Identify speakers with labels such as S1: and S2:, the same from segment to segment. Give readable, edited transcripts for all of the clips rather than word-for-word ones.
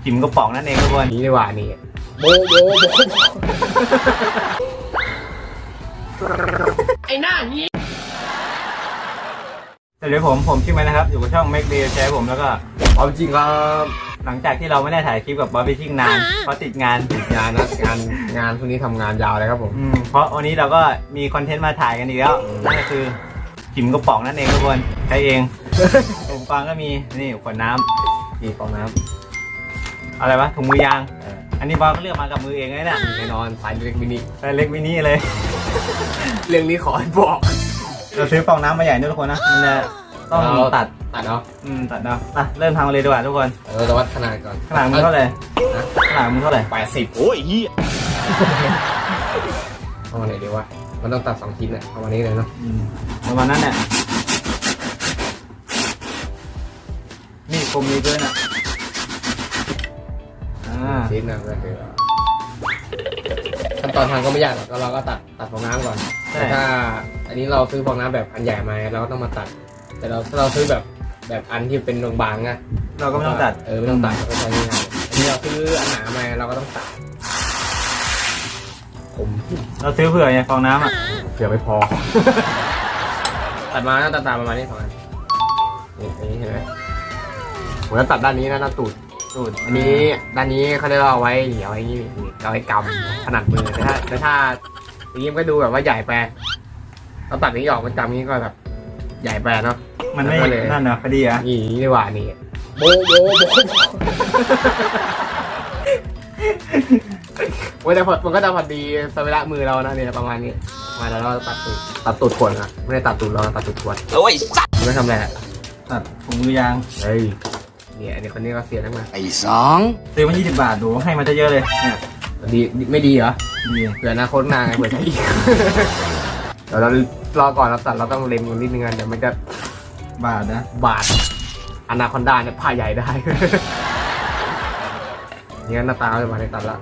S1: จิ๋มกระป๋องนั่นเองทุกคน
S2: นี่ดีกว่านี่โบ
S3: ไอ้หน้านี้
S1: สวัสดีผมชื่อแมนนะครับอยู่กับช่อง Make Day แชร์ผมแล้วก็
S2: เอาจริงครับ
S1: หลังจากที่เราไม่ได้ถ่ายคลิปกับบอสฟิชชิ่งนานเพราะติดงาน
S2: นะงานพวกนี้ทำงานยาวเลยครับผม
S1: เพราะวันนี้เราก็มีคอนเทนต์มาถ่ายกันอีกแล้วนั่นก็คือจิ๋มกระป๋องนั่นเองทุกคนใช้เองอุปกรณ์ก็มีนี่ขวดน้ำ
S2: นี่ฟองน้ำ
S1: อะไรวะถุงมือยางอันนี้บอสก็เลือกมากับมือเองเลยนะ
S2: แน่นอนสายเล็กมินิ
S1: เลย
S2: เรื่องนี้ขอให้บอก
S1: เราซื้อฟองน้ำมาใหญ่ด้วยทุกคนนะมันจะต้องตัด
S2: เนาะ
S1: ตัดเนาะเริ่มทำเลยดีกว่าทุกคน
S2: แต่วัดขนาดก่อน
S1: ขนาดมึงเท่าไหร่ขนาดมึงเท่าไหร่
S2: 80โอ้ยเหี้ยเอามาไหนดีวะมันต้องตัด2ชิ้นเนี่ยเอามานี้เลยเนาะ
S1: ประมาณนั้นเนี่ยนี่กลมนี้ด้วยนะ
S2: ชิ้นนะก็คือขั้นตอนทางก็ไม่ยากหรอกเราก็ตัดฟองน้ำก่อนแต่ถ้าอันนี้เราซื้อฟองน้ำแบบอันใหญ่มาเราก็ต้องมาตัดแต่ถ้าเราซื้อแบบอันที่เป็นบางๆนะ
S1: เราก็ไม่ต้องตัด
S2: ไม่ต้องตัดเราก็ใช้ง่ายอันนี้เราซื้ออันหนามาเราก็ต้องตัด
S1: เราซื้อเผื่อไงฟองน้ำ
S2: เผื่อไม่พอตัดมาตาประมาณนี้2อันนี่เห็นไหมผมจะตัดด้านนี้นะด้านตูดอันนี้ด้านนี้เขาได้เอาไว้เหนียวอย่างนี้เอาไว้กำถนัดมือแต่ถ้าอย่างนี้มันก็ดูแบบว่าใหญ่ไปเราตัดนี้ออกมันจำนี้ก็แบบใหญ่ไปเนาะ
S1: มันไม่นั่นนะพอดีอ่ะ
S2: นี่ดีกว่านี่โบแต่มันก็จะพอดีสเวลามือเรานะเนี่ยประมาณนี้มาแล้วเราตัดตูดขวดนะไม่ได้ตัดตูดเราตัดตูดขวด
S3: โอ้ยสัตว์
S2: ไม่ทำอะไร
S1: ตัดถุงมือยาง
S2: เฮ้ยเนี่ยคนนี้ก็เสียแล้วมา
S3: ไอ้2
S1: ซื้อมา20 บาทดูให้มาเยอะเลยเนี่ย
S2: ดีไม่ดีเหรอ
S1: ดี
S2: เผื่ออนาคตนางไงเผื่อจะอีกเดี๋ยวเรารอก่อนเราตัดเราต้องเล็มกันนิดนึงเดี๋ยวมันจะ
S1: บาท
S2: อนาคอนดาเนี่ยผ่าใหญ่ได้นี่หน้าตาจะมาในตัดละ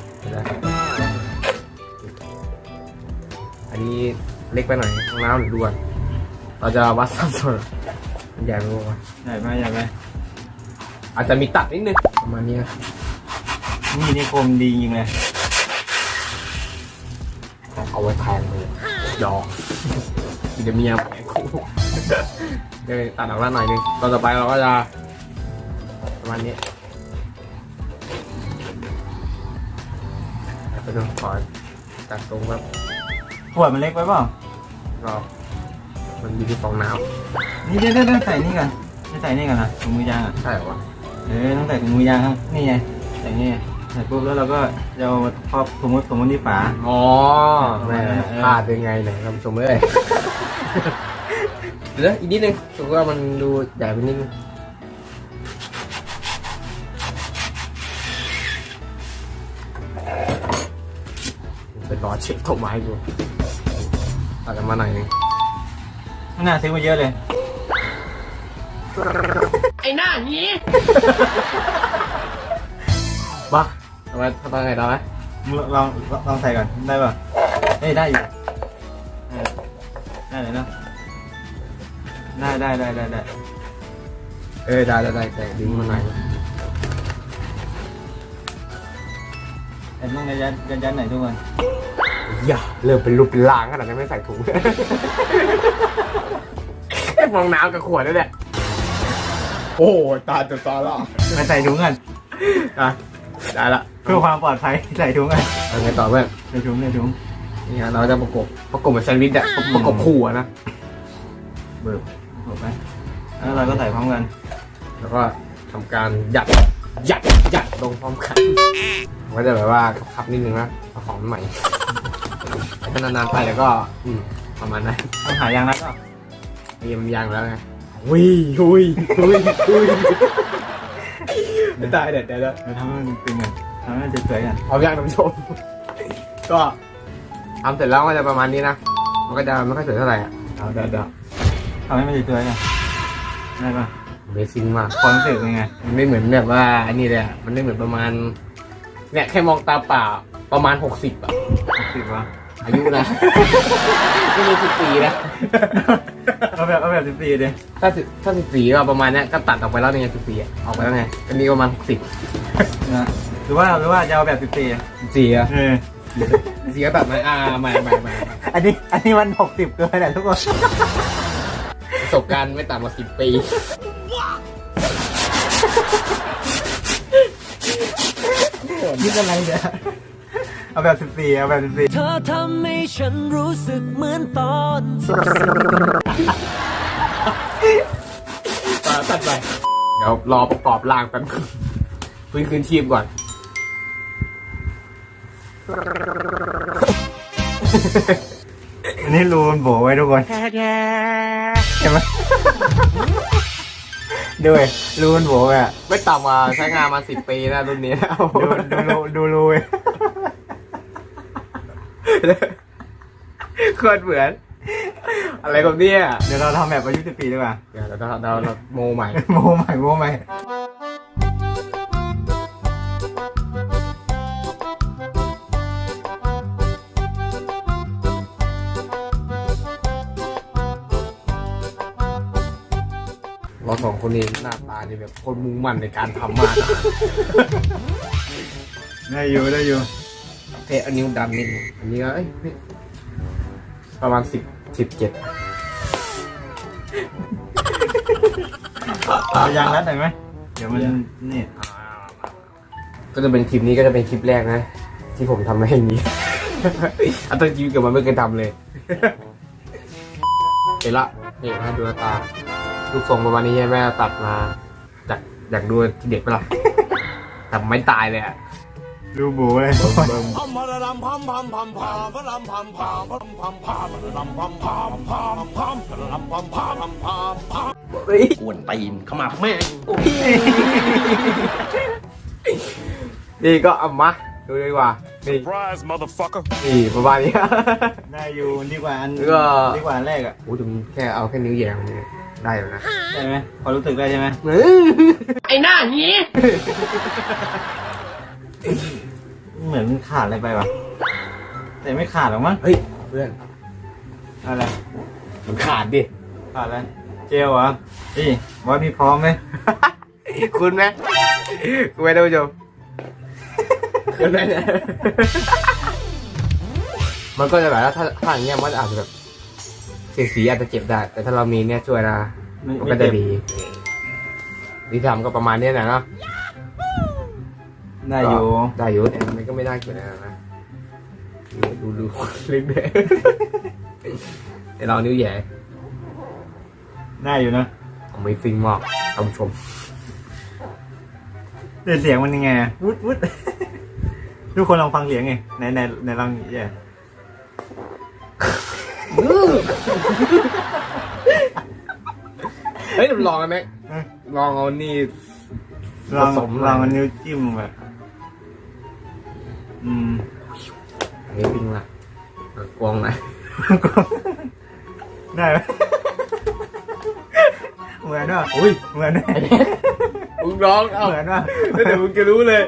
S2: อันนี้เล็กไปหน่อยข้างน้ำหรือด่วนเราจะวัดสัดส่วนใหญ่ไหมอาจจะมีตัดนิดนึงประมาณนี้
S1: นี่คมดีจริงเลย
S2: เอาไว้แทงเลยยอเดี๋ยวเมียแหมคู่เดี๋ยวตัดออกมาหน่อยนึงตอนต่อไปเราก็จะประมาณนี้ไปดูขอตัดตรงแบบ
S1: ขวดมันเล็กไปเปล่า
S2: ก็มันอยู่ที่ฟองน้ำ
S1: นี่เดี๋ยวใส่นี่กันใส่นี่กันนะถุงมือยาง
S2: ใช่หรอวะ
S1: ต้องใส่ถุงมือยางครับนี่ไงใส่นี่ใส่ปุ๊บแล้วเราก็จะเอาครอบสมมติที่ฝา
S2: พลาดยังไงเนี่ยท่านผู้ชมเลยเดี๋ยวอีกนิดนึงถือว่ามันดูใหญ่ไปนิดนึงเป็นรอเช็คต้นไม้ดูตัดกันมาหน่อยนึง
S1: น่าซื้อมาเยอะเลย
S3: ไอ้หน้านี้
S2: บ้าทำไมไงได้ไหม
S1: ลองใส่ก่อนได้ป่ะได้อยู่ได้เลยเนาะได้
S2: ได้แต่ดึงมาหน่อย
S1: แต่ต้องยันไหนทุกคน
S2: อย่าเริ่มเป็นรูปเป็นร่างขนาดนั้นไม่ใส่ถุงฟองน้ำกับขวดนั่นแหละโอ้ตาจะตาละ
S1: ไม่ใส่ถุงกัน
S2: ได้ละ
S1: เพื่อความปลอดภัยใส่ถุงกัน
S2: ไงต่อเพื่อน
S1: ใส่ถุง
S2: นี่เราจะประกบเหมือนแซนด์วิชอะประกบคู่นะ
S1: เบิร์บไปแล้วเราก็ใส่พร้อมกัน
S2: แล้วก็ทำการยัดลงพร้อมกันก็จะแบบว่าขับนิดนึงนะเอาของใหม่ถ้านานๆไปแล้วก็ประมาณนั้น
S1: ต้องหายางแล้วก็
S2: มันยางแล้วไงหุยไม่ตายเด็ดแล้ว
S1: ทำให้มันตึงกันทำให้มันสวยๆกัน
S2: พร้อมยังท่านผู้ชมก็ทำเสร็จแล้วก็จะประมาณนี้นะมันก็จะไม่ค่อยสวยเท่าไหร่เดี๋ยว
S1: ทำให้มันสวยๆกันได้ป่ะ
S2: เบสิงมาก
S1: ความรู้สึกเป็นไง
S2: มันไม่เหมือนแบบว่าอันนี้เลยมันไม่เหมือนประมาณเนี่ยแค่มองตาเปล่าประมาณ60
S1: 60 วะ
S2: อายุนะไม่มี14นะ
S1: เอาแบบ14ดิ
S2: ถ้า14ก็ประมาณเนี้ยก็ตัดออกไปแล้วไง14อ่ะออกไปแล้วไงก็มีประมาณ60
S1: นะหรือว่าจะเอาแบบ14
S2: 14อ่ะ
S1: 14
S2: 14ก็ตัดมาใหม่
S1: อันนี้มัน60เกินแหละทุกคน
S2: ประสบการณ์ไม่ต่ำกว่า10 ปี
S1: คิดอะไรเนี่ยเอาแบบ14เอาแบบ14
S4: เธอทำให้ฉันรู้สึกเหมือนตอน
S2: ตัดไปเดี๋ยวรอประกอบร่างแป๊บฟื้นคืนชีพก่อน
S1: อันนี้รูนโบไว้ทุกคนเห็นไหมด้วยรูนโบอ่ะ
S2: ไม่ต่ำกว่าใช้งานมา10 ปีนะรุ่นนี้นะ
S1: ดูรูเว้ย
S2: โคตรเหมือน อะไรกับเนี่ย
S1: เดี๋ยวเราทำแบบอายุ14ดีกว่า
S2: เดี๋ยวเราโมใหม่
S1: โมใหม่
S2: เราสองคนนี้หน้าตานี่แบบคนมุ่งมั่นในการทำมาก
S1: ได้อยู่
S2: เทอันนิ้วดันนิดนึงอันนี้ก็ประมาณ17
S1: เอายางรัดหน่อยไหมเดี๋ยวมันนี่
S2: ก็จะเป็นคลิปนี้ก็จะเป็นคลิปแรกนะ ที่ผมทำอะไรอย่างนี้ อันตั้งชีวิตกับมันไม่เคยทำเลย เห็นละนี่นะดูหน้าตาลูกทรงประมาณนี้ใช่ไหมตัดมาอยากดูเด็กปะล่ะแต่ไม่ตายเลยอะ
S1: ดูโบเลย
S3: อ้วนตีนขมับแม่ง
S2: นี่ก็เอามาดูดีกว่านี่
S5: Surprise, motherfucker.
S2: นี่ประมาณนี้
S1: ได้อยู่ดีกว่าอัน
S2: แล้วก็
S1: ดีกว่าอันแรกอ่ะ
S2: โอ้ถึงแค่เอาแค่นิ้วแยงเนี่ยได้อยู่นะ
S1: ได้ไหมพอรู้สึกได้ใช่ไหม
S3: ไอ้หน้าหี
S1: เหมือนมันขาดอะไรไปวะแต่ไม่ขาดหรอกมั้ง
S2: เฮ้ยเพื่อน
S1: อะไร
S2: มันขาดดิ
S1: ขาดอะไรเจลเหรอนี่บอสมีพร้อมไหม
S2: คุณไหมคุณไหมท่านผู้ชมคุณไหมเนี่ยมันก็จะแบบว่าถ้าอย่างเงี้ยมันอาจจะแบบสีอาจจะเจ็บได้ แต่ถ้าเรามีเนี่ยช่วยนะมันก็จะดีที่ทำก็ประมาณนี้แหละเนาะ
S1: ได้อยู่
S2: ได้อยู่แต่มันก็ไม่น่าเกลียดอะไรนะดูเล็กเด็กแต่เรานิ้วใหญ่
S1: ได้อยู่นะ
S2: ผมไม่ฟิงมากท่านผู้ชม
S1: แต่เสียงมันยังไงอะวุด ทุกคนลองฟังเสียงไงในลองแย่
S2: เฮ้ยลองกันไหมลองเอานี่
S1: ลอง
S2: ผสม
S1: ลองเอานิ้วจิ้มแบบ
S2: นี่ฟิงละกวางไหน
S1: ได้ไหมเหมือนว่า
S2: อุ้ย
S1: เหมือนไหม
S2: มึงร้องเอ้า
S1: เหมือนว่า
S2: แล้วเดี๋ยวมึงจะรู้เลย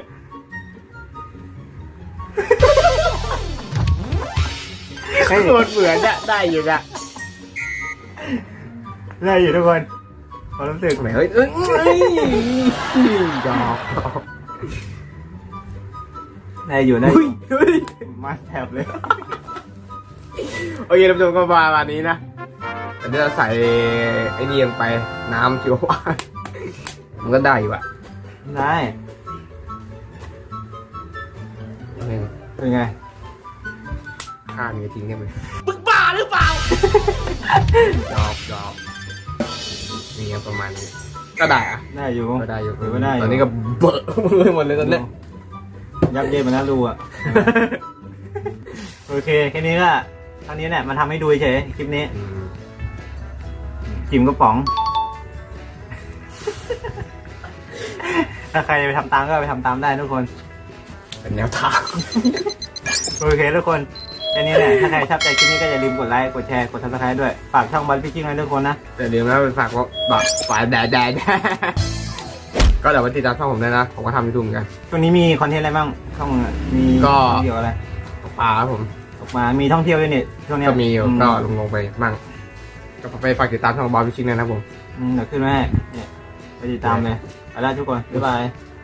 S2: โคตรเหมือนอะได้อยู่อะ
S1: ได้อยู่ทุกคนพอรู้สึก
S2: เฮ้ยดอก
S1: ได้อยู่ได้
S2: เฮ้ย
S1: มาแถบเลย
S2: โอเคท่านผู้ชมก็ประมาณนี้นะแต่เดี๋ยวเราใส่ไอ้นี่ลงไปน้ำชีวภาพมันก็ได้อยู่อะ
S1: ได้ เป็นไง
S2: ข้ามีทิ้งได้ไหม
S3: มึงบ้าหรือเปล่า
S2: ดอกนี่ประมาณนี้ก็ได้อะ
S1: ได้อยู่
S2: ก็ได้อยู่
S1: ถือว่าได้อยู่
S2: ตอนนี้ก็เบอะมือหมดเลยตอนเนี้ย
S1: ยับเยินมาแล้วรูอ่ะ โอเคแค่นี้ก็เท่านี้แหละมันทำให้ดูเฉยคลิปนี้ จิ๋มกระป๋อง ถ้าใครไปทำตามก็ไปทำตามได้ทุกคน
S2: เป็นแนวทาง
S1: โอเคทุกคนแค่นี้แหละ ถ้าใครชอบใจคลิปนี้ก็อย่าลืมกดไลค์ กดแชร์ กด subscribe ด้วย ฝากช่องบันพี่จิ้งไว้ทุกคนนะ
S2: แต่เดี๋ยวนะเป็นฝากว่าแบบฝ่ายแดดก็เดี๋ยวมาติดตามช่องผมด้วยนะผมก็ทำยูทูบเหมือนกัน
S1: ช่วงนี้มีคอนเทนต์อะไรบ้างช่องมี
S2: ก็
S1: เกี่ยวอะไร
S2: ตกปลาครับผม
S1: ออกมา มีท่องเที่ยวด้วยนี่ช่วงนี้
S2: ก็มีอยู่ก็ลงไปบ้างก็ไปฝากติดตามช่องบอลพิชิงนะครับผม
S1: เดี๋ยวขึ้นมาให้เนี่ยไปติดตามเลยไปแล้วทุกคนบ๊ายบาย